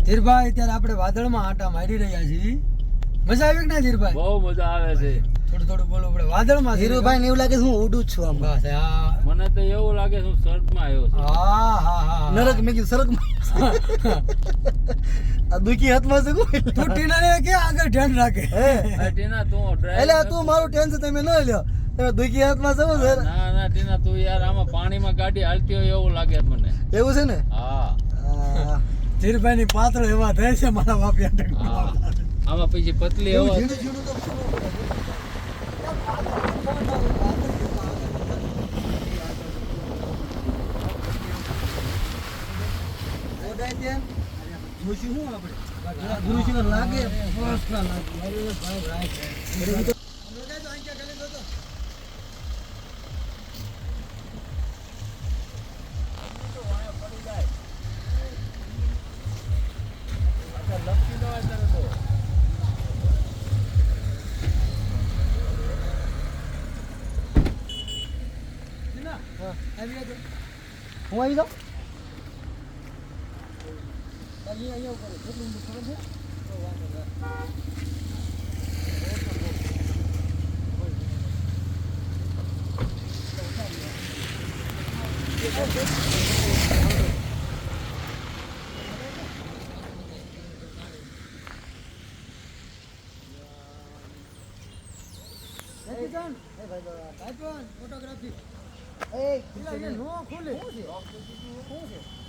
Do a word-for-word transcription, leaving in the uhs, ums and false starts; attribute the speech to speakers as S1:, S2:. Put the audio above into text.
S1: ધીરભાઈ અત્યારે આપણે વાદળમાં આટા મારી રહ્યા છીએ. મજા આવી કે ના ધીરભાઈ?
S2: બહુ મજા આવે છે.
S1: થોડું થોડું બોલો આપણે વાદળમાં.
S3: ધીરુભાઈ ને એવું લાગે છે હું ઉડું જ છું આમ.
S1: બસ આ
S2: મને તો એવું લાગે છે હું સ્વર્ગમાં આવ્યો છું.
S1: હા હા હા
S3: નરક મેં કીધું સરકમાં. આ દુખી હાથમાં છે કોઈ.
S1: તું ટીનાને કે આગળ ધ્યાન રાખે.
S3: હે
S2: આ ટીના તું ડ્રાઈવ
S3: એટલે આ તું મારું ટેન્શન તમે ન લ્યો. તમે દુખી હાથમાં છો સર.
S2: ના ના ટીના તું યાર આમાં પાણીમાં ગાડી હાલતી હોય એવું લાગે છે મને.
S3: એવું છે ને?
S2: હા
S3: હા.
S1: ધીરભાઈ ની પાતળ એવા થાય છે મારા બાપિયા.
S2: હા આમાં પછી પતલી
S3: એવું
S2: હવા
S3: ઝીણું ઝીણું તો ઓડાય તેમ જોશું હું આપણે ગુરુશિવ લાગે ફર્સ્ટ ક્લાસ લાગે. અરે ભાઈ રાઈટ રાઈટ હું આવી જાઉં અહીંયા ઉપર કેટલું ખબર છે? ફોટોગ્રાફી એ નો ખુલે શું છે? શું છે?